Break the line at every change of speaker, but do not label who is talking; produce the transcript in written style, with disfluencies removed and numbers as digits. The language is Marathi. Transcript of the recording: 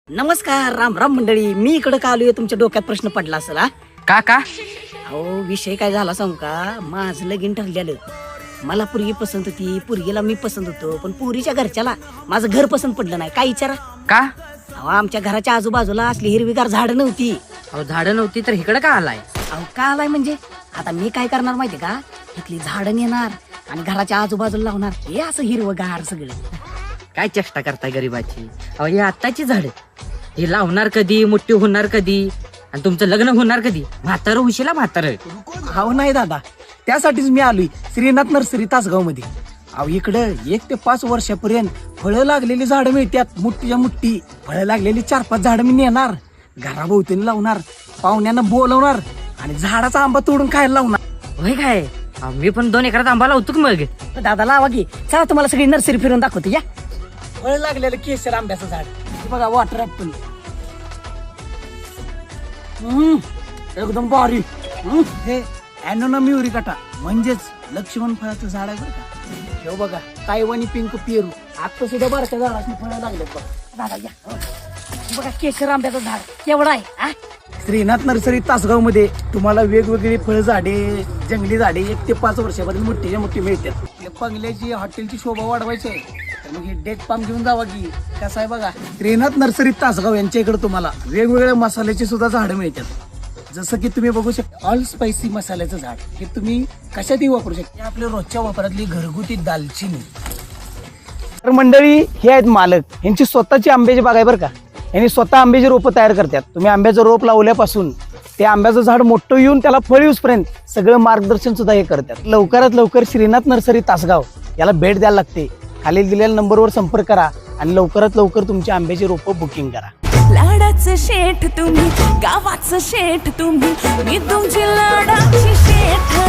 नमस्कार, राम राम मंडळी. मी इकडं का आलोय तुमच्या डोक्यात प्रश्न पडला असेल हा?
का का
अहो विषय काय झाला सांगू का, माझं लगीन ठरलेलं. मला पोरगी पसंत होती, पोरगीला मी पसंत होतो, पण पोरीच्या घरच्याला माझं घर पसंत पडलं नाही. काय विचारा?
का
अहो आमच्या घराच्या आजूबाजूला असली हिरवीगार झाडं नव्हती.
अहो झाडं नव्हती तर इकडे का आलाय?
अहो का आलाय म्हणजे आता मी काय करणार माहिती का, इथली झाडं नेणार आणि घराच्या आजूबाजूला लावणार. हे असं हिरवगार सगळं.
काय चेष्टा करताय गरीबाची? अहो ही आत्ताची झाड हे लावणार कधी, मोठी होणार कधी, आणि तुमचं लग्न होणार कधी? म्हातारं उशीला म्हातारं.
अहो नाही दादा, त्यासाठीच मी आलोय श्रीनाथ नर्सरी तासगाव मध्ये. अहो इकडं 1 ते 5 वर्षापर्यंत फळं लागलेली झाडं मिळतात. मोठीच्या मोठी फळं लागलेली 4-5 झाडं मी नेणार, घराभोवतीने लावणार, पाहुण्यांना बोलवणार आणि झाडाचा आंबा तोडून खायला लावणार.
होय काय? अहो, मी पण 2 एकरात आंबा लावतो की मग.
दादा लावा की, चला तुम्हाला सगळी नर्सरी फिरून दाखवते या.
फळ लागलेलं केशर आंब्याचं झाड, हे बघा वॉटर ऍपल. एकदम भारी. हे ॲनोना म्युरिकाटा म्हणजेच लक्ष्मण फळाचं झाड आहे बरं का. हे बघा तायवानी पिंक पेरू, आता सुद्धा बारक्या झाडाची फळं लागलेत बघा.
दादा या. बघा केशर आंब्याचं झाड केवढं आहे हा?
श्रीनाथ नर्सरी तासगाव मध्ये तुम्हाला वेगवेगळी फळ झाडे, जंगली झाडे 1 ते 5 वर्षापर्यंत मोठीच्या मोठी मिळतात. या बंगल्याची हॉटेलची शोभा वाढवायची आहे तर मग हे डेट पाम घेऊन जावा की. कसं आहे बघा, श्रीनाथ नर्सरी तासगाव यांच्या इकडे तुम्हाला वेगवेगळ्या मसाल्याची सुद्धा झाडं मिळतात. जसं की तुम्ही बघू शकता ऑल स्पायसी मसाल्याचं झाड, हे तुम्ही कशातही वापरू शकता. आपल्या रोजच्या वापरातली घरगुती दालचिनी. तर मंडळी हे आहेत मालक, यांची स्वतःची आंब्याची बाग आहे बरं का. यांनी स्वतः आंब्याची रोपं तयार करतात. तुम्ही आंब्याचं रोप लावल्यापासून ते आंब्याचं झाड मोठं येऊन त्याला फळ येऊसपर्यंत सगळं मार्गदर्शन सुद्धा हे करतात. लवकरात लवकर श्रीनाथ नर्सरी तासगाव याला भेट द्यायला लागते. खालील दिलेल्या नंबरवर संपर्क करा आणि लवकरात लवकर तुमची आंब्याची रोपं बुकिंग करा.
लाडाचं शेठ तुम्ही, गावाचं शेठ तुम्ही, मी तुमची लाडाची शेठ.